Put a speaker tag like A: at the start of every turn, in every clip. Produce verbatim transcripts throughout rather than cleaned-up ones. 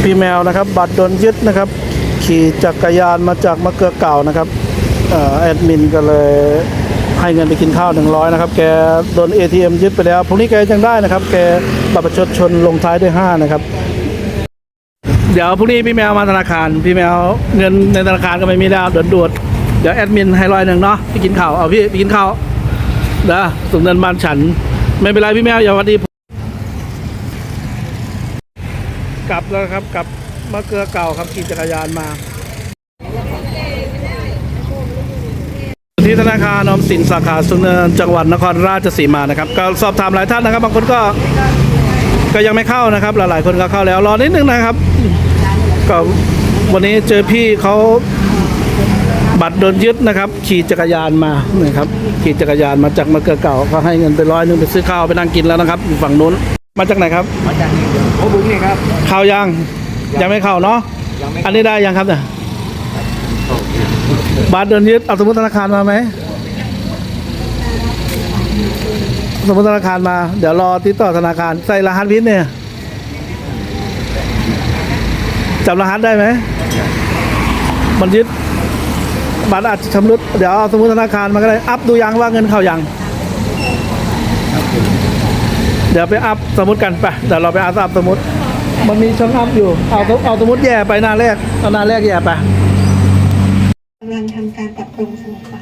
A: พี่แมวนะครับบัตรโดนยึดนะครับขี่จักรยานมาจากมะเกลือเก่านะครับแอดมินก็เลยให้เงินไปกินข้าวหนึ่งร้อยนะครับแกโดน เอ ที เอ็ม ยึดไปแล้วพรุ่งนี้แกยังได้นะครับแกบัตรประชาชนลงท้ายด้วยห้านะครับเดี๋ยวพรุ่งนี้พี่แมวมาธนาคารพี่แมวเงินในธนาคารก็ไม่มีแล้วเดือดด่วนเดี๋ยวแอดมินให้ร้อยหนึ่งเนาะไปกินข้าวเอาพี่ไปกินข้าวเด้อส่งเงินบ้านฉันไม่เป็นไรพี่แมวอย่าวัดดีกลับแล้วครับกลับมะเกลือเก่าครับขี่จักรยานมาที่ธนาคารออมสินสาขาสุนทรจังหวัดนครราชสีมานะครับก็สอบถามหลายท่านนะครับบางคนก็ก็ยังไม่เข้านะครับหลายๆคนก็เข้าแล้วรอนิดนึงนะครับก็วันนี้เจอพี่เขาบัตรโดนยึดนะครับขี่จักรยานมานะครับขี่จักรยานมาจากมะเกลือเก่าก็ให้เงินไปร้อยนึงไปซื้อข้าวไปนั่งกินแล้วนะครับอยู่ฝั่งนู้นมาจากไหนครับ
B: มาจากโอ้บุ้งนี่ครับ
A: เข้ายังยังไม่เข้าเนาะอันนี้ได้ยังครับเนี่ยบัตรโดนยึดเอาสมุดธนาคารมาไหมสมุดธนาคารมาเดี๋ยวรอติดต่อธนาคารใส่รหัสพินเนี่ยจำรหัสได้ไหมมันยึดบัตรอาจจะชำรุดเดี๋ยวเอาสมุดธนาคารมาก็ได้อัพดูยังว่าเงินเข้ายังเดี๋ยวไปอัพสมุดกันไปเดี๋ยวเราไปอัพอัพสมุดมันมีช่องอัพอยู่เอาเอาสมุดแย่ไปหน้าแรกเอาหน้าแรกแย่ไป
C: กำลังทำการปรับปรุงสมุดค่ะ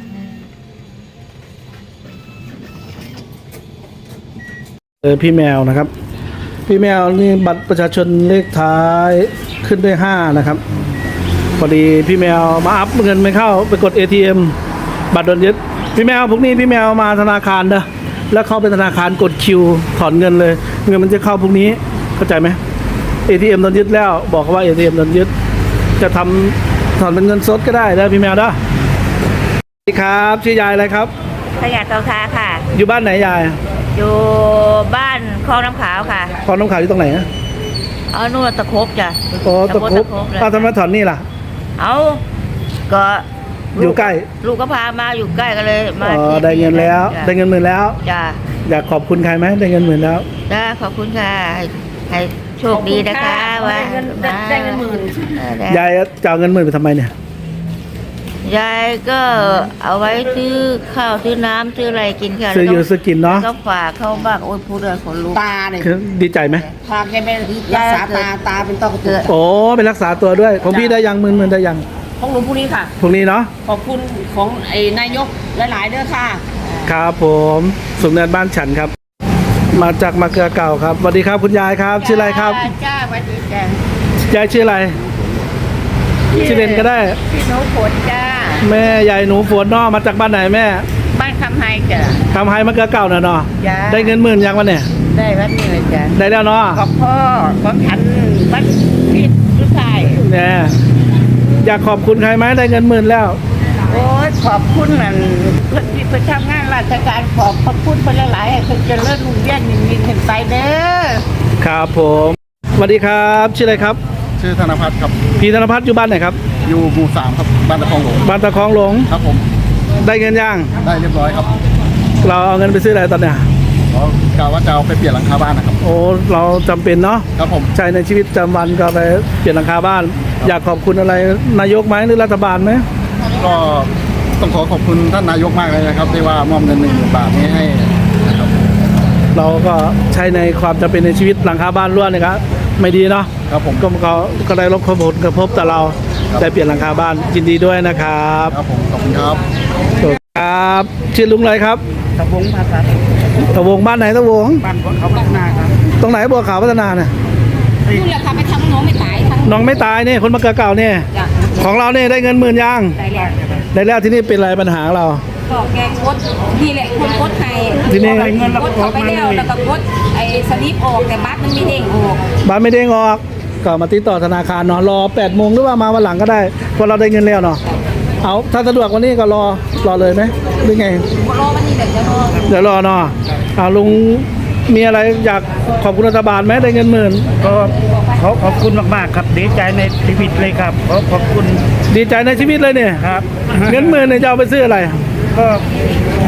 A: เออพี่แมวนะครับพี่แมวนี่บัตรประชาชนเลขท้ายขึ้นด้วยห้านะครับพอดีพี่แมวมาอัพเงินไม่เข้าไปกด เอ ที เอ็ม บัตรโดนยึดพี่แมวพวกนี้พี่แมวมาธนาคารเด้อแล้วเข้าไปธนาคารกดคิวถอนเงินเลยเงินมันจะเข้าพวกนี้เข้าใจไหม เอ ที เอ็ม โดนยึดแล้วบอกเขาว่า เอ ที เอ็ม โดนยึดจะทำถอนเป็นเงินสดก็ได้นะพี่แมวนะสวัสดีครับชื่อยายอะไรครับ
D: ขยะเตาทาค่ะ
A: อยู่บ้านไหนยาย
D: อยู่บ้านคลองน้ำขาวค่ะ
A: คลองน้ำขาวอยู่ตรงไหนอะ
D: เอานู่นตะครบจ้ะ
A: โอ้ตะครบเอาทำไมถอนนี่ล่ะ
D: เอาก็
A: อยู่ใกล้
D: ลูกก็พามาอยู่ใกล้กันเลยมา
A: อ๋อได้เงินแล้วได้เงินหมื่นแล้ว
D: จ้ะ
A: อยากขอบคุณใครไหมได้เงินหมื่นแล้ว
D: ได้ขอบคุณค่ะให้โชคดีนะคะว่า
C: ได้เงินหมื่น
A: ยายจะเอาเงินหมื่นไปทำไมเนี่ย
D: ยายก็เอาไว้ซื้อข้าวซื้อน้ำซื้ออะไรกินค่ะ
A: ซื้ออยู่ซื้อกินเนาะ
D: ก็ฝากเข้าบ้านโอ้ยพูดเลยคนรู้
B: ตาเนี่ย
A: ดีใจไหม
B: พาแกไปรักษาตาตาเป็นต้อกระจก
A: โอ้ไปรักษาตัวด้วยของพี่ได้ยังหมื่นหมื่นได้ยัง
B: ของหลวงพรุ่งนี้ค่ะ
A: พรุ่งนี้เนาะ
B: ขอบคุณของไอ้นายกหลายๆเด้อค่ะ
A: ครับผมสุนทรบ้านฉันครับมาจากมะเกลือเก่าครับสวัสดีครับคุณยายครับชื่ออะไรครับ
D: จ้าสวัสดีจ้าย
A: ายชื่ออะไรชื่อเล่นก็ได้
D: พี่หนูฝนจ้า
A: แม่ยายหนูฝนนอมาจากบ้านไหนแม่
D: บ้านคำไฮจ้ะ
A: คำไฮมะเกลือเก่าเนาะเนาะได้เงินหมื่นยังวันเนี่ย
D: ได้วันนี้เลยจ้ะ
A: ได้แล้วเนาะ
D: ขอบพ่อของฉันวันพิษทุกทาย
A: เนี่ยอยากขอบคุณใครไหมได้เงินหมื่นแล้ว
D: โอ้ยขอบคุณนั่นเพื่อนที่ไปทำงานราชการขอบพระคุณไปหลายๆให้เพิ่นเจริญรุ่งเรืองยิ่งยิ่งขึ้นไปเด้อ
A: ครับผมสวัสดีครับชื่ออะไรครับ
E: ชื่อธนพัฒน์ครับ
A: พี่ธนพัฒน์อยู่บ้านไหนครับ
E: อยู่หมู่สามครับบ้านตะคองหลง
A: บ้านตะคองหลง
E: ครับผม
A: ได้เงินยัง
E: ได้เรียบร้อยครับ
A: เราเอาเงินไปซื้ออะไรตอนเนี้ย
E: อ๋อกะว่าจะเอาไปเปลี่ยนหลังคาบ้านนะครับ
A: โอ้เราจำเป็นเนาะ
E: ครับผม
A: ใช้ในชีวิตประจำวันก็ไปเปลี่ยนหลังคาบ้านอยากขอบคุณอะไรนายกไหมหรือรัฐบาลไหม
E: ก็ต้องขอขอบคุณท่านนายกมากเลยนะครับที่ว่ามอบเงินหนึ่งหมื่นบาทนี้ให้นะครับ
A: เราก็ใช้ในความจำเป็นในชีวิตหลังคาบ้านล้วนนะครับไม่ดีเนาะ
E: ครับผม
A: ก็เขาก็ได้รับผลกระทบแต่เราได้เปลี่ยนหลังคาบ้านยินดีด้วยนะครับ
E: ครับผมขอบคุณครับ
A: ครับชื่อลุงอะไรครับ
B: ตะวงภาษา
A: ตะวงบ้านไหนตะวง
B: บ้านเขาพัฒนาครับ
A: ตรงไหนบัวขาวพัฒนาเนี่ย
C: คุณราคาไปทำน้องไม่ตายทั้ง
A: น้องไม่ตายเนี่ยคนมะเกลือเก่าเนี่ยของเราเนี่ยได้เงินหมื่นยัง
C: ได้แล้ว
A: ได้แล้วที่นี่เป็นอะไรปัญหาเรา
C: ก็แกกดนี่แหละคนกดไทย
A: ที่นี่
C: เงินกดเข้าไปแล้วแล้วก็กดไอ้สลิปออกแต่บัตรมันไม่เด้งออก
A: บัตรไม่เด้งออกก็มาติดต่อธนาคารเนาะรอแปดโมงหรือว่ามาวันหลังก็ได้เพราะเราได้เงินแล้วเนาะเอาถ้าสะดวกวันนี้ก็รอรอเลยไหมหรือไง
C: รอวันนี้เดี๋ยวจะรอ
A: เดี๋ยวรอเนาะเอาลุงมีอะไรอยากขอบคุณรัฐบาลไหมได้เงินหมื่น
B: ก็ขอขอบคุณมากๆครับดีใจในชีวิตเลยครับขอขอบคุณ
A: ดีใจในชีวิตเลยเนี่ย
B: ครับ
A: เงินหมื่นเนี่ยจะเอาไปซื้ออะไร
B: ก็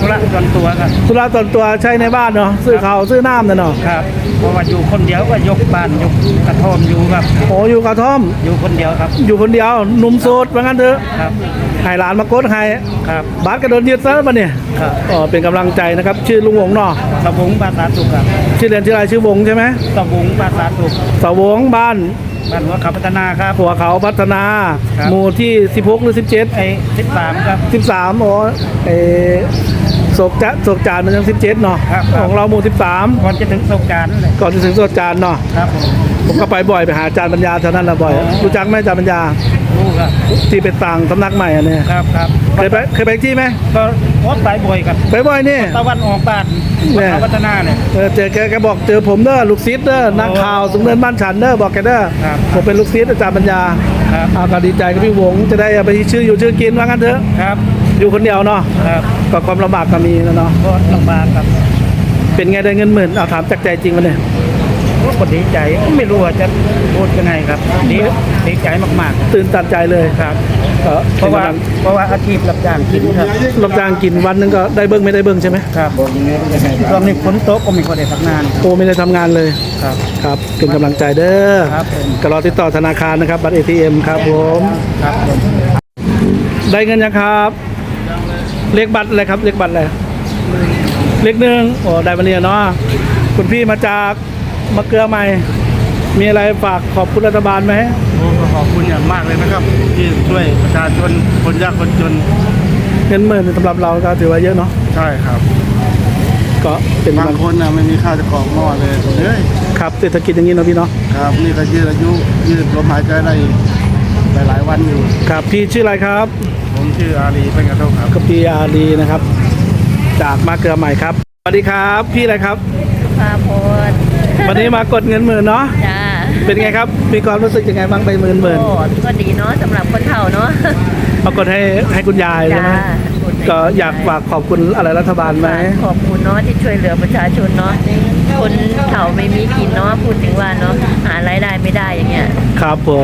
B: ธุระส่วนตัวครับ
A: ธุระส่วนตัวใช้ในบ้านเนาะซื้อข้าวซื้อน้ำน่ะเนาะ
B: ครับเพราะว่าอยู่คนเดียวก็ยกบ้านยกกระท่อมอยู่ครับ
A: โอ้อยู่กระท่อม
B: อยู่คนเดียวครับ
A: อยู่คนเดียวหนุ่มโสดว่างั้นเถอะ
B: ครับ
A: ให้หลานมากดให้
B: ครับ
A: บัตรก็โดนยึดซะแล้วปะเนี่ย
B: ครับ
A: อ๋อเป็นกำลังใจนะครับ ชื่อลุงวงเนาะ
B: สบุงภาษาสุขครับ
A: ชื่อเรียนชื่ออะไรชื่อวงใช่ไหม
B: สบุงภาษาสุข
A: สาวงบ้าน
B: บ้านหัวเขาพัฒนาครับ
A: หัวเขาพัฒนา
B: ครับ
A: หมู่ที่สิบหกหรือสิบเจ็ด
B: ไอ้สิบสามครับ
A: สิบสามโอ้เออโศกจะโศกจานมันยังสิบเจ็ดเนาะ
B: ครับครับ
A: ของเราหมู่สิบสาม
B: ก่อนจะถึงสงกรารนั่นแหละ
A: ก่อนจะถึงโศกจานเนาะ
B: ครับผม
A: ผมก็ไปบ่อยไปหาอาจารย์ปัญญาเท่านั้นแหละบ่อย
B: อ๋อ
A: รู้จักไหมอาจารย์ปัญญา
B: รู้ครับ
A: ที่เป็นต่างสำนักใหม่อันเนี้ย
B: ครับครับ
A: เคยไปเคยไปที่ไหม
B: ก็โพสต์ไปบ่อยครับ
A: ไปบ่อยนี่
B: ตะวันออกบ้าน
A: เนี่ย
B: เขาพัฒนาเนี่ย
A: เออเจอแกแกบอกเจอผมเด้อลูกศิษย์เด้อนักข่าวสูงเนินบ้านฉันเด้อบอกแกเด้อ
B: ครับ
A: ผมเป็นลูกศิษย์อาจารย์ปัญญา
B: ครับ
A: เอาก็ดีใจกับพี่วงจะได้เอาไปชื่ออยู่ชื่อกินว่างั้นเถอะ
B: ครับ
A: อยู่คนเดียวเนาะ
B: ครับ
A: ก็ความลำบากก็มีนะเนาะ
B: ก็ลำบากครับ
A: เป็นไงได้เงินหมื่นเอาถามจากใจจริงมาเนี่ย
B: ก็ดีใจไม่รู้ว่าจะพูดยังไงครับดีดีใจมาก
A: ตื่นตันใจเลย
B: ๆครับ
A: ก็
B: เพราะว่าเพราะว่าอาชีพรับจ้างกินครับ
A: รับจ้างกินวันหนึงก็ได้เบิ้งไม่ได้เบิ้งใช่ไหม
B: ครับช่วงนี้ฝนตกก็ไม่ค่อยได้พักงาน
A: โอ้ไม่ได้ทำงานเลย
B: ครับ
A: ครับเป็นกำลังใจเด้อ
B: ครับผม
A: ก็รอติดต่อธนาคารนะครับบัตร เอ ที เอ็ม ครับผม
B: ครับผม
A: ได้เงินยังครับเลขบัตรอะไรครับเลขบัตรอะไรเลขหนึ่งโอ้ได้มาเนี่ยเนาะคุณพี่มาจากมะเกลือใหม่ มีอะไรฝากขอบคุณรัฐบาลไหม
E: โอ้ขอบคุณอย่างมากเลยนะครับ ที่ช่วยประชาชนคนยากคนจน
A: เงินหมื่นสำหรับเราก็ถือว่าเยอะเนาะ
E: ใช่ครับ
A: ก็เป็น
E: บางคนนะไม่มีข้าวจะกรอกหม้อเลยเฮ้ย
A: ครับเศรษฐกิจอย่างนี้เนาะพี่เนาะ
E: ครับนี่ก็ยืดอายุยืดลมหายใจได้อีกหลายๆวันอยู่
A: ครับพี่ชื่ออะไรครับ
E: ผมชื่ออาลีเป็นกระโทกครับ
A: ก็พี่อารีนะครับ จากมะเกลือใหม่ครับสวัสดีครับพี่อะไรครับ
D: พาโพด
A: วันนี้มากดเงินหมื่นเนาะ
D: จ้า
A: เป็นไงครับ มีความรู้สึกยังไงบ้างไปหมื่นหมื่น
D: โอ้ก็ดีเนาะสำหรับคนเฒ่าเนาะ
A: มากดให้ให้คุณยายใช่ไหม
D: จ้า
A: ก็อยากฝากขอบคุณอะไรรัฐบาลไหม
D: ขอบคุณเนาะที่ช่วยเหลือประชาชนเนาะคนเฒ่าไม่มีกินเนาะพูดถึงว่าเนาะหารายได้ไม่ได้อย่างเงี้ย
A: ครับผม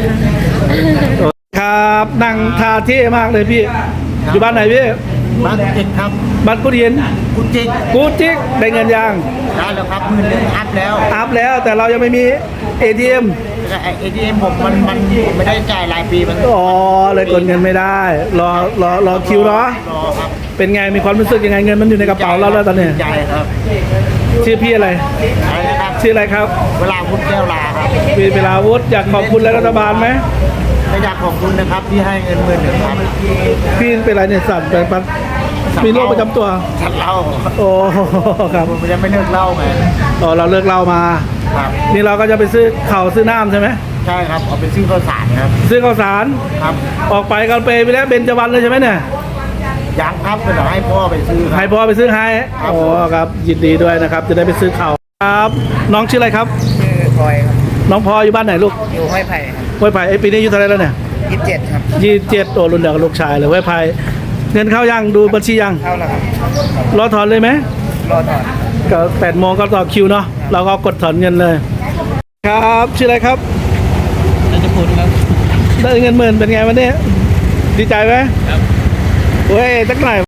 A: ครับนั่งทาเท่มากเลยพี่ อยู่บ้านไหนพี่
E: บ้านจิกครับ
A: บ้านกุดิน
E: คุณจิก
A: กูจิกได้เงินยัง
E: ได้แล้วครับหมื่นหนึ่งอัพแล้ว
A: อัพแล้วแต่เรายังไม่มี เอ ที เอ็ม
E: เอทีเอ็มผมมันมันไม่ได้จ่ายรายปีมัน
A: อ๋อเลยกดเงินไม่ได้ รอรอรอคิวเนาะ
E: รอครับ
A: เป็นไงมีความรู้สึกยังไงเงินมันอยู่ในกระเป๋าเราแล้วตอนนี้
E: ใจครับ
A: ชื่อพี่อะไร
E: อะไรนะครับ
A: ชื่ออะไรครับ
E: เวลาพุทธแก้วลาครับ
A: มีเวลาวุฒิอยากขอบคุณรัฐบาลไหม
E: ก็อยากขอบคุณนะครับที่ให้เงินหมื่นหนึ่งครับ
A: พี่เป็นอะไรเนี่ยสั่นไปปัดมีโรคประจำตัว
E: ฉันเล่า
A: โอ้ครับ
E: ผมยังไม่เลิกเล่าไง
A: อ๋อเราเลิกเหล่ามา
E: ครับ
A: นี่เราก็จะไปซื้อข้าวซื้อน้ำใช่ไหม
E: ใช่ครับเอาไปซื้อข้าวสารครับ
A: ซื้อข้าวสาร
E: ครับ
A: ออกไปกันไปไปแล้วเบญจวรรณเลยใช่ไหมเนี่ย
E: ยังครับเดี๋ยวให้พ่อไปซื้อค
A: ให้
E: รับ
A: พ่อไปซื้อให้
E: ครับ
A: โอ้ครับยินดีด้วยนะครับ จะได้ไปซื้อข้าวครับ น้องชื่ออะไรครับ
B: ชื่อพลอยครับ
A: น้องพลอยอยู่บ้านไหนลูก
B: อยู่ห้วยไผ่
A: ห้วยไผ่ไอยปีนี้อายุเท่าไหรแล้วเนี่ย
B: ยี่สิบเจ็ดครับ
A: ยี่สิบเจ็ดโอ้รุ่นเดียวกับลูกชายเลยห้วยไผ่เงินเข้ายังดูบัญชียัง
B: เข้าแล้วครับ
A: รอถอนเลยไหม
B: รอถอน
A: ก็แปดโมงก็ต่อคิวเนาะเราก็กดถอนเงินเลย ครับชื่ออะไรครับ
B: จะพูดครับ
A: ได้เงินหมื่นเป็นไงวันนี้ดีใจไหมครับเว้ยสักหน่อย